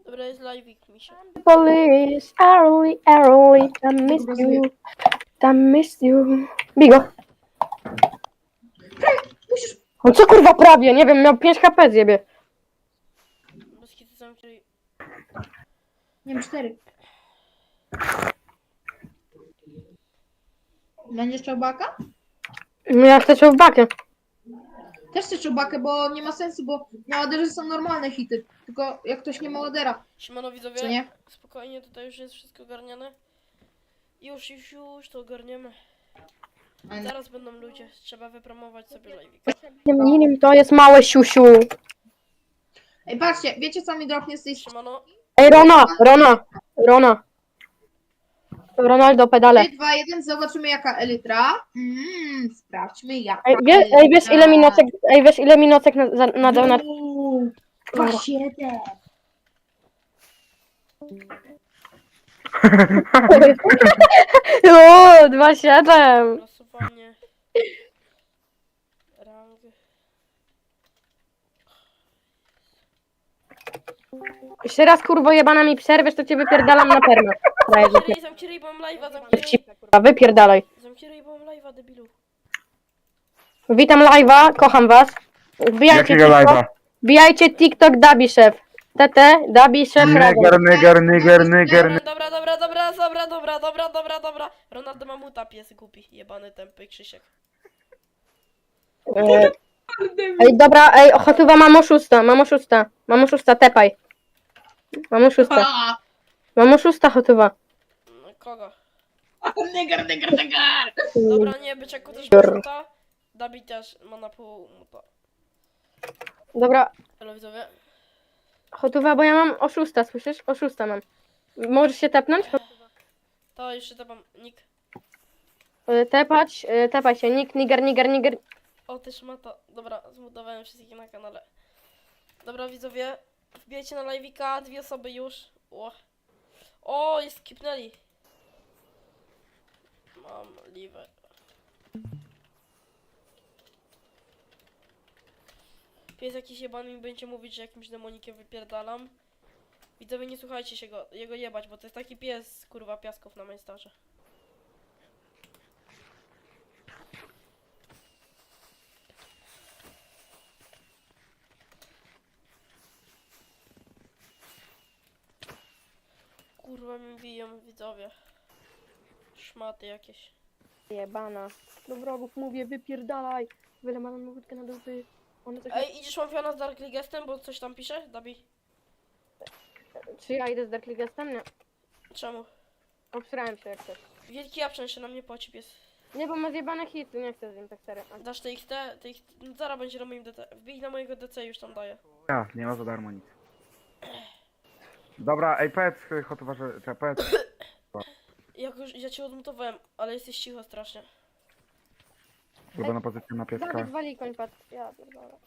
Dobra, jest live'ik, misia. Police, early, early, I miss you, I miss you. Bigo. Musisz... No co kurwa prawie, nie wiem, miał 5 HP zjebie. Bez kitu zamknij. Nie wiem, 4. Będziesz chciał baka? No ja chcę w bakę. Też chcę czubakę, bo nie ma sensu, bo na ładerze są normalne hity. Tylko jak ktoś nie ma ładera, Siemano co widzowie, nie? spokojnie, tutaj już jest wszystko ogarniane. Już to ogarniemy. Zaraz będą ludzie, trzeba wypromować sobie live'ik. Nim to jest małe siusiu. Ej, patrzcie, wiecie co mi dropnie z tej Siemano, Ej, Rona. Ronaldo pedale. 3, 2, 1, zobaczymy jaka elytra. Sprawdźmy jaka Ej, wiesz ile mi nocek nadał na... 2,7. O, 2,7. losowanie. Rang. Jeszcze raz kurwo jebana mi przerwiesz, to cię wypierdalam na perma. Zamknij ryj, bo mam live'a, Wypierdalaj. zamknij ryj, bo mam live'a, debilu. Witam live'a, kocham was. Wbijajcie Jakiego TikTok, live'a? wbijajcie TikTok Dabi Szef. TT, Dabi Szef razem. Neger. Dobra. Ronaldo ma muta, pies głupi, jebany tępy Krzysiek. Ej, dobra, ej, ochotowa mam oszusta, tepaj. Mam oszusta chotowa. No, kogo? Neger. Dobra, nie, byczeku też ma muta. Dabi też ma na pół muta. Dobra, Halo widzowie. chotowa, bo ja mam oszusta, słyszysz? Oszusta mam. Możesz się tepnąć? To jeszcze to mam nick. Tepaj się, niger. O, też ma to. Dobra, zmutowałem wszystkich na kanale. Dobra widzowie, wbijajcie na live'ika, 2 osoby już. O, jest skipnęli. Mam live. Pies jakiś jebany mi będzie mówić, że jakimś demonikiem wypierdalam. Widzowie, nie słuchajcie się jego jebać, bo to jest taki pies, kurwa, piasków na majstarze. Kurwa mi biją, widzowie. Szmaty jakieś. Jebana. Do wrogów mówię, wypierdalaj. Wyle mam łódkę na dupy. One coś... Ej, idziesz Łapiona z Dark Leaguestem, bo coś tam pisze? Dabi? Czy ja idę z Dark Leaguestem? Nie. Czemu? Obsrałem się jak coś. Wielki Japczan się na mnie płaci, pies. Nie, bo ma zjebane hity, nie chcę z nim tak serio. Dasz TXT? No, zaraz będzie na moim DC. Wbij na mojego DC, już tam daję. Ja, nie ma za darmo nic. Dobra, ej, powiedz chotowa, że... Powiedz. Ja cię odmutowałem, ale jesteś cicho strasznie. Ulubiona pozycja na pieska. Dawid wali koń padł. Ja pierdolę.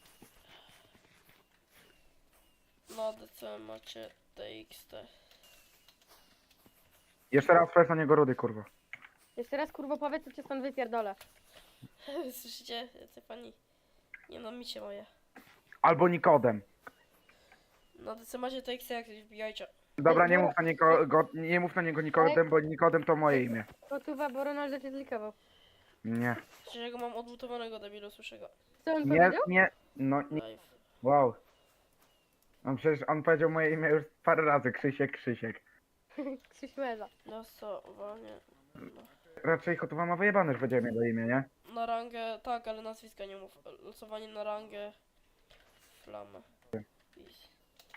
Na DC macie TXT. Jeszcze raz powiedz na niego rudy, kurwa. Jeszcze raz kurwo powiedz, co cię stąd wypierdolę. Słyszycie? Jacy pani? Nie no, micie moje. Albo Nikodem. Na DC macie TXT, jak coś wbijajcie. Dobra, nie mów na niego Nikodem, bo Nikodem to moje imię. Kotuwa, bo Ronaldo cię zlikował. Nie. Przecież ja go mam odmutowanego, debilu, słyszę go. Co on Nie, powiedział? no nie. Live. Wow. Przecież on powiedział moje imię już parę razy, Krzysiek. Krzyś Meza. Losowanie. Raczej chotowa ma wyjebane, że powiedziałem jego imię, nie? Na rangę, tak, ale nazwiska nie mów. Losowanie na rangę. Flamę. Peace.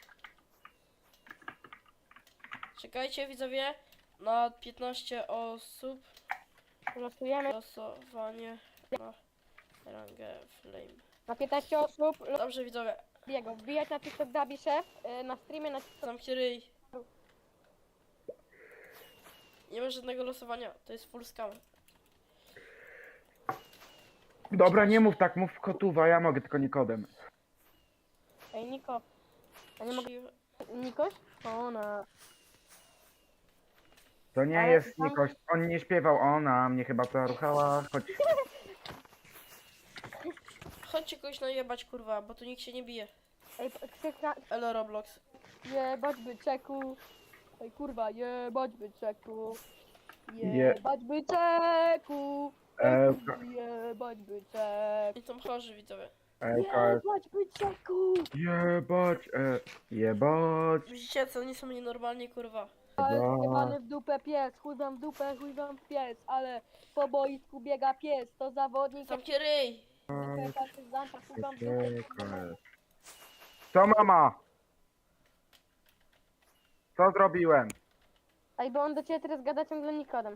Czekajcie widzowie. Na 15 osób. Losujemy Losowanie na rangę flame. na 15 osób. Dobrze widzowie. Biego. Wbijać na TikTok Dabi Szef. Na streamie na TikTok. Zamknij ryj. Nie ma żadnego losowania. To jest full scam. Dobra, nie mów tak, mów kotuwa, ja mogę tylko Nikodem. Ej, Niko. A nie mogę... Nikoś? Ona. To nie Ale jest tam- Nikoś, on nie śpiewał, ona mnie chyba zaruchała, choć... Chodźcie kogoś najebać kurwa, bo tu nikt się nie bije. Ej, Elo Roblox. Jebać byczeku. Ej kurwa, jebać byczeku. Je- Jebać byczeku. Ej E, kurwa, jebać byczek. I są chorzy, widzowie. Jebać byczeku. Jebać, jebać, Widzicie, co oni są nienormalni, kurwa. Jebany w dupę pies, chuj wam w dupę, chuj wam w pies, ale po boisku biega pies, to zawodnik jak Zamknij ryj! zwykle partyzanta, chuj wam w dupę. Co mama? Co zrobiłem? Ej, bo on do ciebie teraz gada ciągle Nikodem.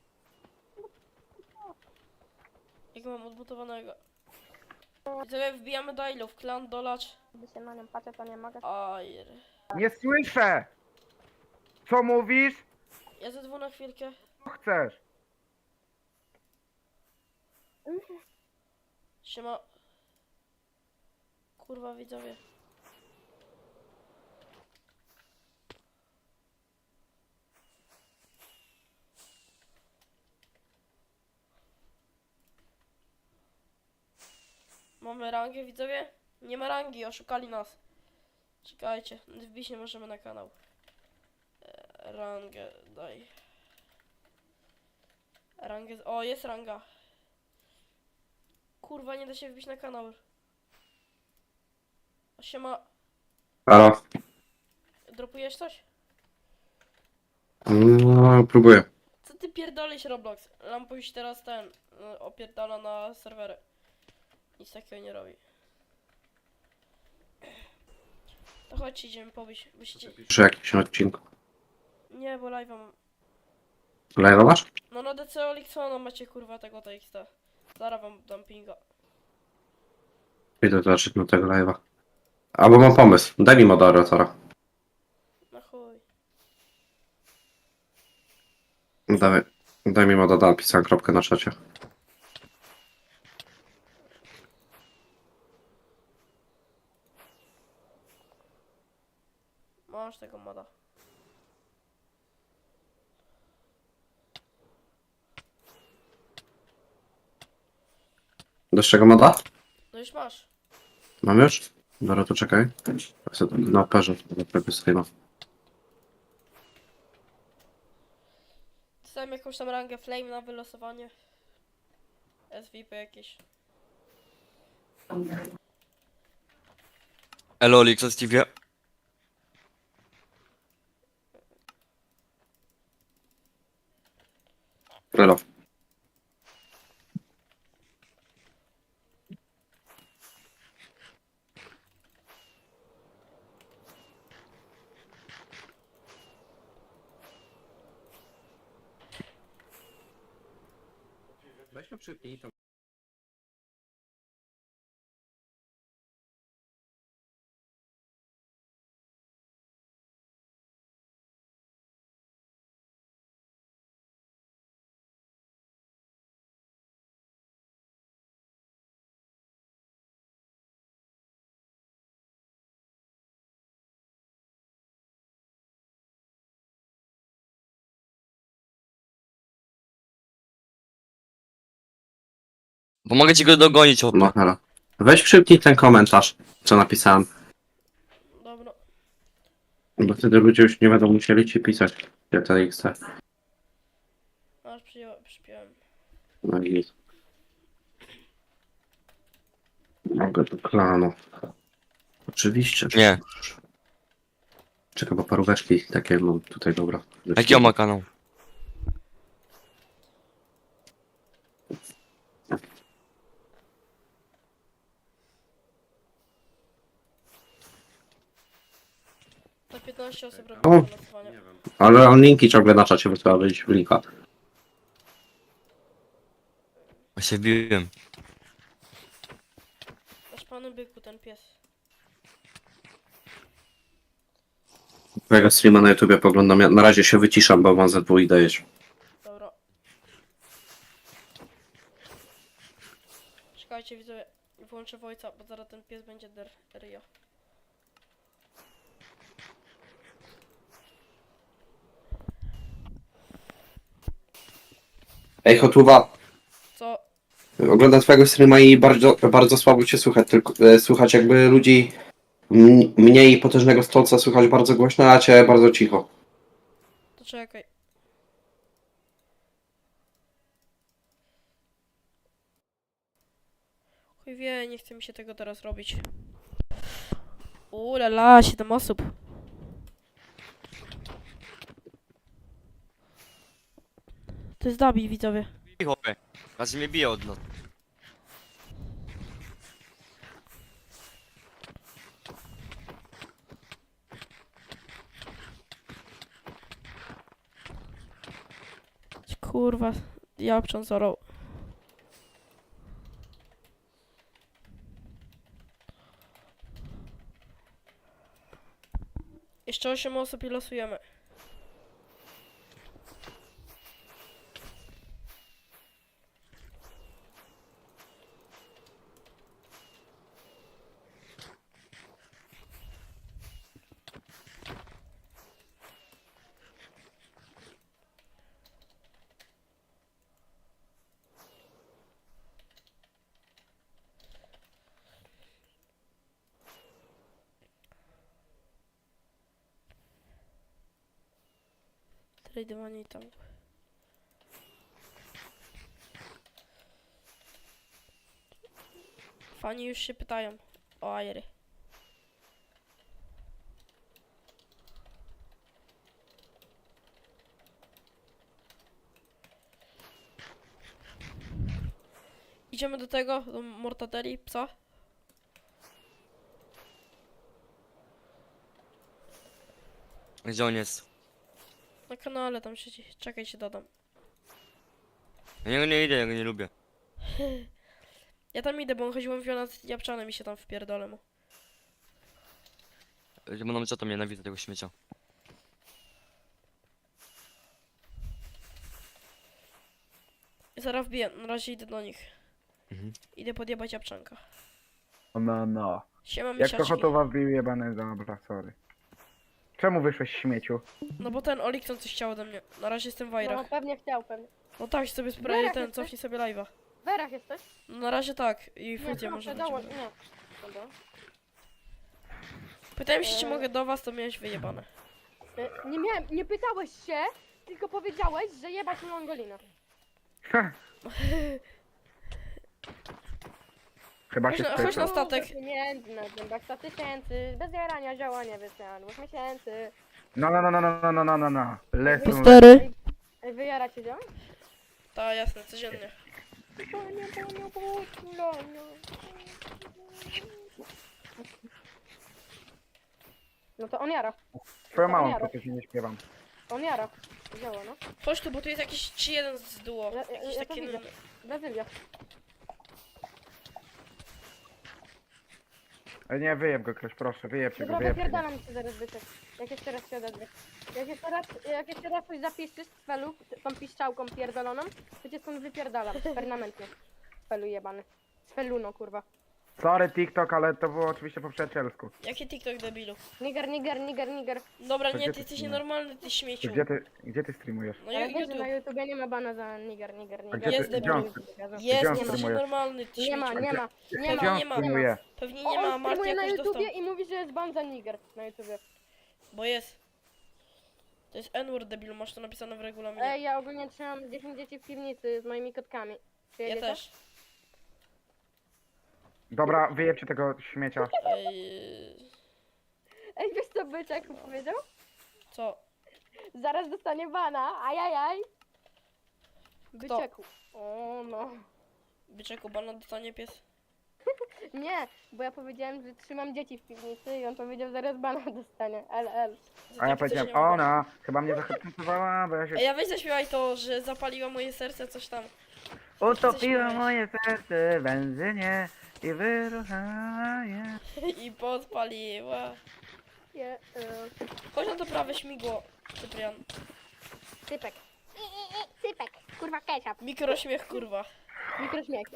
Jak mam odbutowanego. Widzowie, wbijamy do ilów. Klan, dolacz. Gdy się na nią patrzę, to nie mogę. Ajer. Nie słyszę! Co mówisz? Ja ze dwu na chwilkę. Co chcesz? Siema. Kurwa, widzowie. Mamy rangę, widzowie? Nie ma rangi, oszukali nas. Czekajcie, wbić nie możemy na kanał. Rangę, daj. Rangę, o jest ranga. Kurwa, nie da się wbić na kanał. Siema, Halo? dropujesz coś? No, próbuję. Co ty pierdolisz, Roblox? Lampuś teraz opierdala na serwery. Nic takiego nie robi. To chodźcie, idziemy pobić. Byście... Przy jakimś odcinku. Nie, bo live'a mam. Live masz? No na DC Olixona macie kurwa tego TXT. Zaraz wam dam pinga. Idę zobaczyć na tego live'a. Albo mam pomysł. Daj mi moderatora. Na chuj. Daj mi moderatora, napisałem kropkę na czacie. Masz tego moda. Dasz czego moda? No już masz. Mam już? Dobra, to czekaj. Na operze, na prawie streama. Dostałem jakąś tam rangę flame na wylosowanie. SVP jakieś. Elo, Olix, Stevie. Relo. Weźmy przypnij to. Pomogę ci go dogonić, o. No, halo. Weź przypnij ten komentarz, co napisałem. Dobra. Bo wtedy ludzie już nie będą musieli ci pisać. GTXT. Aż przypiąłem. No i... Mogę do klanu. Oczywiście. Nie. Czekaj, bo paróweczki takie mam tutaj, dobra. Jaki on ma kanał? To 15 osób robi O. wylosowanie. Ale on linki ciągle na czacie wysyła, wyjść w linka. Ja się biłem. Nasz panu byku, ten pies. Twojego streama na YouTubie poglądam. Ja na razie się wyciszam, bo mam ZW i dajesz. Dobra. Czekajcie, widzowie. Włączę Wojca, bo zaraz ten pies będzie Rio. Ej, Hotuwa, Co? oglądam twojego streama i bardzo, bardzo słabo cię słychać, tylko słychać jakby ludzi Mnie i potężnego stolca słychać bardzo głośno, a cię bardzo cicho. To czekaj. Chuj wie, nie chce mi się tego teraz robić. Ulala, 7 osób. To jest Dabi, widzowie. I chłopie. Raz mnie bije od nas. Kurwa, Japczan zorał. Jeszcze 8 osób i losujemy. Tradowanie i tam. Fani już się pytają o Airy. Idziemy do tego, do Mortadeli, psa. Gdzie on jest? Na kanale tam siedzi. Czekaj, się dodam. Ja niego nie idę, ja go nie lubię. Ja tam idę, bo on chodził mówił z Japczanem i się tam wpierdolę mu. Mam co to nienawidzę tego śmiecia. Zaraz wbiję, na razie idę do nich. Mhm. Idę podjebać Japczanka. No. Siema, Jak to misiaczki. chotowa wbił jebany, dobra, sorry. Czemu wyszłeś śmieciu? No bo ten Olikson coś chciał ode mnie. Na razie jestem w No Wajrach. pewnie chciał, pewnie. No tak, sobie Wajrach sprawdzę ten, jesteś? cofnij sobie live'a. W Werach jesteś? No na razie tak. I Nie, Fudzie proszę, może dołącz, będzie. nie. Dobra. Pytałem się, czy mogę do was, to miałeś wyjebane. Nie pytałeś się, tylko powiedziałeś, że jebać Mongolina. Ha. Chyba się Chodź na spytał. statek. Pieniędzy na zębach 100 000, bez jarania działania wysiadłych miesięcy. No. Lecą. P4. Ej, wyjara cię działa? Tak, jasne, codziennie. No to on jara, Twoją małą to coś nie śpiewam. on jara. Działa, no. Chodź tu, bo tu jest jakiś 3-1 z duo. Jakiś Ja to taki... widzę. Brazylia. Nie, wyjeb go ktoś, proszę, wyjebcie go, Dobra, wyjebcie go. wypierdalam cię zaraz byczek. Jak jeszcze raz się odezwie. Jak jeszcze raz coś zapiszesz z felu, tą piszczałką pierdoloną, to cię stąd wypierdalam, permanentnie. Z felu jebany. Z feluno, kurwa. Sorry TikTok, ale to było oczywiście po przyjacielsku. Jaki TikTok, debilu? Niger. Dobra, To nie, gdzie ty ty jesteś nie? nienormalny, ty śmieciu. Gdzie ty streamujesz? No Ale wiesz, że YouTube. na YouTubie nie ma bana za niger. A gdzie Jest ty, debil. gdzie on, Jest, Gdzie on jesteś streamuje? nienormalny, ty Nie ma, śmieciu. nie ma, nie gdzie ma. on nie ma. streamuje? Pewnie O, nie ma, on Marty streamuje na jakoś dostał. YouTubie i mówi, że jest ban za niger na YouTubie. Bo jest. To jest N-word, debilu, masz to napisane w regulaminie. Ej, ja ogólnie trzymam 10 dzieci w piwnicy z moimi kotkami. Ja Przyjedziecie? też. Dobra, wyjebcie tego śmiecia. Ej, wiesz co byczek powiedział? Co? Zaraz dostanie bana, ajajaj. Byczeku. O no. Byczeku, bana dostanie pies? Nie, bo ja powiedziałem, że trzymam dzieci w piwnicy i on powiedział, zaraz bana dostanie. LL. Za A ja takie coś powiedziałem, nie ma bana. ona chyba mnie zahipnotyzowała, bo ja się Ej, ja weź zaśpiewaj to, że zapaliła moje serce, coś tam. utopiła moje serce w benzynie i wyruchała je. I podpaliła. Chodź na to prawe śmigło, Cyprian. Cypek. Cypek. Kurwa ketchup. Mikrośmiech, kurwa. Mikrośmiech.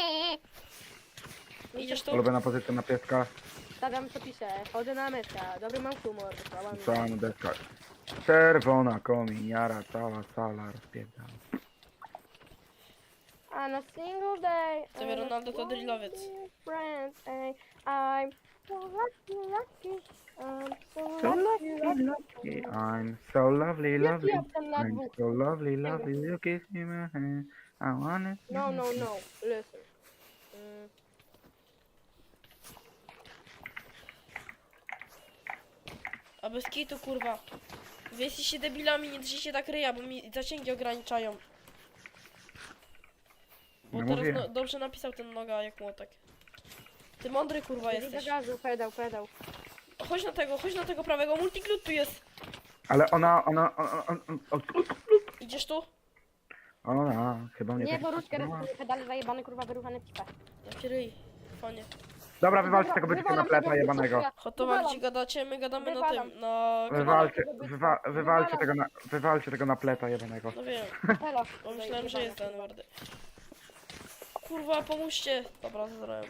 Idziesz tu? Ulubiona pozycja na pieska, Stawiam co pisze. Chodzę na myszkę. Dobry mam humor. Wysłałam. cała deska. Czerwona kominiara, cała sala rozpierdala. On a single day. Tobie Ronaldo to drillowiec. Friends, ey, I'm so lucky, lucky. I'm so So lucky, lucky. lucky. I'm so lovely, lovely. Jaki jestem na I'm dwóch? so lovely, lovely. You kiss me my hand. I wanna. No, no, no. Listen. A bez kitu, kurwa. Wy jesteście debilami, nie drzyjcie tak ryja, bo mi zasięgi ograniczają. Bo No teraz mówię. dobrze napisał ten noga jak młotek. Ty mądry, kurwa, Idę do jesteś. gazu, pedał, pedał. Chodź na tego prawego, multiglut tu jest. Ale ona, Idziesz tu? chyba mnie Nie, tak bo różkę wstrzymała. rozumie, pedale zajebany, kurwa, wyruchany cipę. Jaki ryj. Fajnie. Dobra, wywalcie tego byczka na wywalam pleta tego jebanego. byczka. Hotowa, Wywalam. gdzie gadacie? My gadamy na Wywalam. tym, na kanale. Wywalcie tego na pleta jebanego. No wiem, Pelo. bo myślałem, że jest ten wardy. Kurwa, pomóżcie. Dobra, zrobiłem.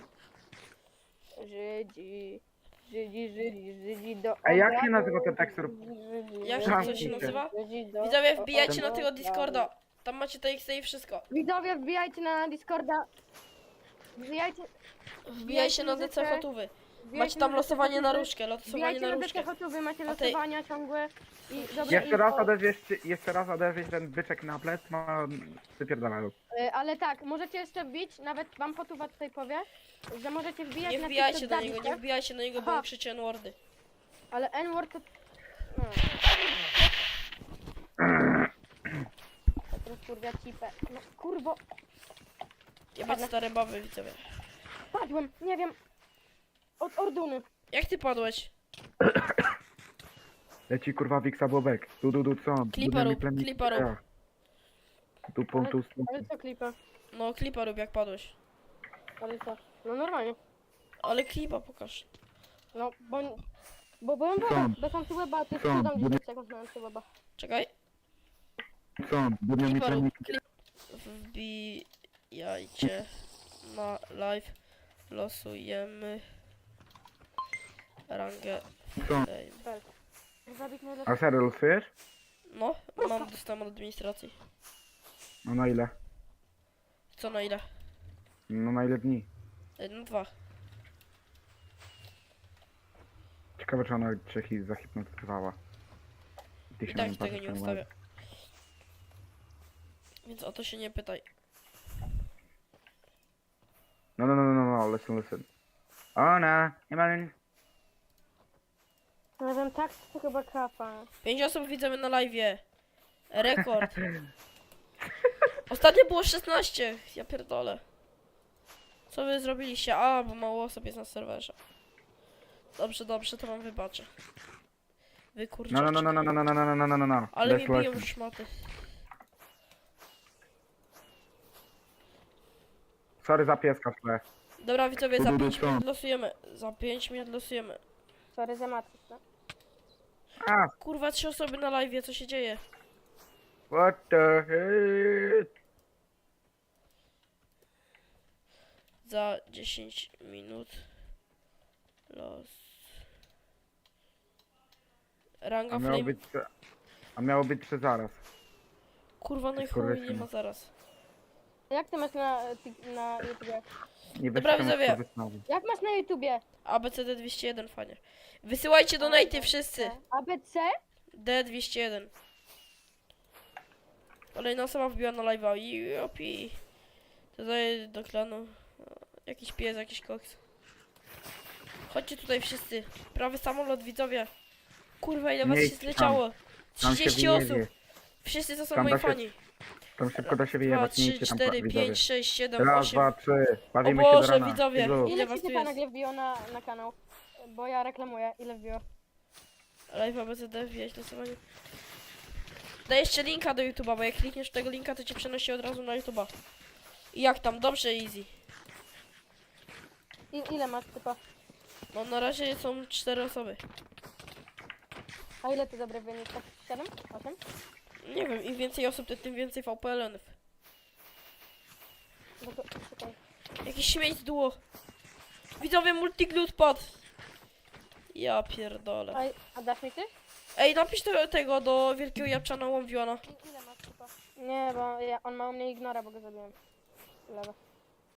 Żydzi. Żydzi do... A jak się nazywa ten tekstur? Jak Zamknij to się się. nazywa? Żydzi do- Widzowie, wbijajcie na do- tego Discorda. Tam macie TXT i wszystko. Widzowie, wbijajcie na Discorda. Wbijajcie... Wbijajcie na DC muzykę. Hotówy. wbijajcie Macie tam na losowanie DC na Hotówy. różkę, losowanie Wbijajcie na na różkę. DC Hotówy, macie A ty- losowania ciągłe. I dobra Jeszcze raz odezwiesz ten byczek na plet, ma wypierdalają. Ale tak, możecie jeszcze wbić, nawet wam Hotuwa tutaj powie, że możecie wbijać Nie na wbijajcie TikTok do niego, Dawida, nie wbijajcie do niego, bo Aha. on krzyczy N-wordy. ale N-word to... No. Teraz kurwa cipę. No kurwo, Jebać stare baby, widzowie. padłem, nie wiem. Od Orduny. Jak ty padłeś? Leci kurwa Wiksa Bobek. Du, co? Klipa rób, klipa rób. Tu punktu Ale co klipę? No, klipa rób jak padłeś. Ale co? No normalnie. Ale klipa pokaż. No, bo byłem weba, bez antyweba, to jest Co? cudem 10 sekund na antyweba. Czekaj. Co? Budnią mi Klipa rób, trening. klip. Wbijajcie na live. Losujemy rangę Co? fame. Zabić najlepiej. A serio losujesz? No, dostałem od administracji. No na ile? Co na ile? No na ile dni? No 2. Ciekawe czy ona cię zahipnotyzowała. Ty I się tak nie tego patrzysz nie na ustawię. Więc o to się nie pytaj. No, listen. Ona, nie ma... Nie wiem, tak to chyba kapa. 5 osób widzimy na live. Rekord. Ostatnio było 16. Ja pierdolę. Co wy zrobiliście? A, bo mało osób jest na serwerze. Dobrze, to wam wybaczę. Wy kurczę. No. Ale Let's mi biją listen. szmaty. Sorry za pieska w tle. Dobra widzowie, za Tu, 5 co? minut losujemy. Za 5 minut losujemy. Sorry za matkę, no. A, Kurwa, 3 osoby na live, co się dzieje? what the hell? Za 10 minut. Los. Ranga A miało flame. być... A miało być 3 zaraz. Kurwa, no i Kurwa, chuj, nie ma zaraz. Jak ty masz na YouTubie? Nie Dobra, weź widzowie. temat, co wysnowi. Jak masz na YouTubie? ABCD 201, fajnie. Wysyłajcie donaty wszyscy. ABC? D201. Kolejna osoba wbiła na live'a. Jopi. Dodaję do klanu. Jakiś pies, jakiś koks. Chodźcie tutaj wszyscy. Prawy samolot, widzowie. Kurwa, ile was Nie się idź tam. zleciało. Tam się 30 osób. wyjedzie. Wszyscy to są Tam moi da się- fani. Tam szybko da się 2, wyjebać, nie 3, idźcie tam 4, widzowie. 5, 6, 7, Raz, 8. dwa, trzy. O Bawimy się do Boże, rana. widzowie. Ilu? Ile Ile was ci tu się jest? nagle wbiło na kanał? Bo ja reklamuję. Ile wbiło? Live ABCD, wbijać losowanie. Daj jeszcze linka do YouTube'a, bo jak klikniesz tego linka, to cię przenosi od razu na YouTube'a. I jak tam? Dobrze, easy. Ile masz typa? No na razie są 4 osoby. A ile ty dobry wynik? Tak 7? 8? Nie wiem, im więcej osób, to tym więcej VPL-ów. No to czekaj. Jakiś śmieć z duo. Widzowie, multiglut padł. Ja pierdolę. A dasz mi coś? Ej, napisz tego do wielkiego Japczana Łomwiona. Ile masz typa? Nie, bo on ma u mnie ignora, bo go zabiłem. Lewe.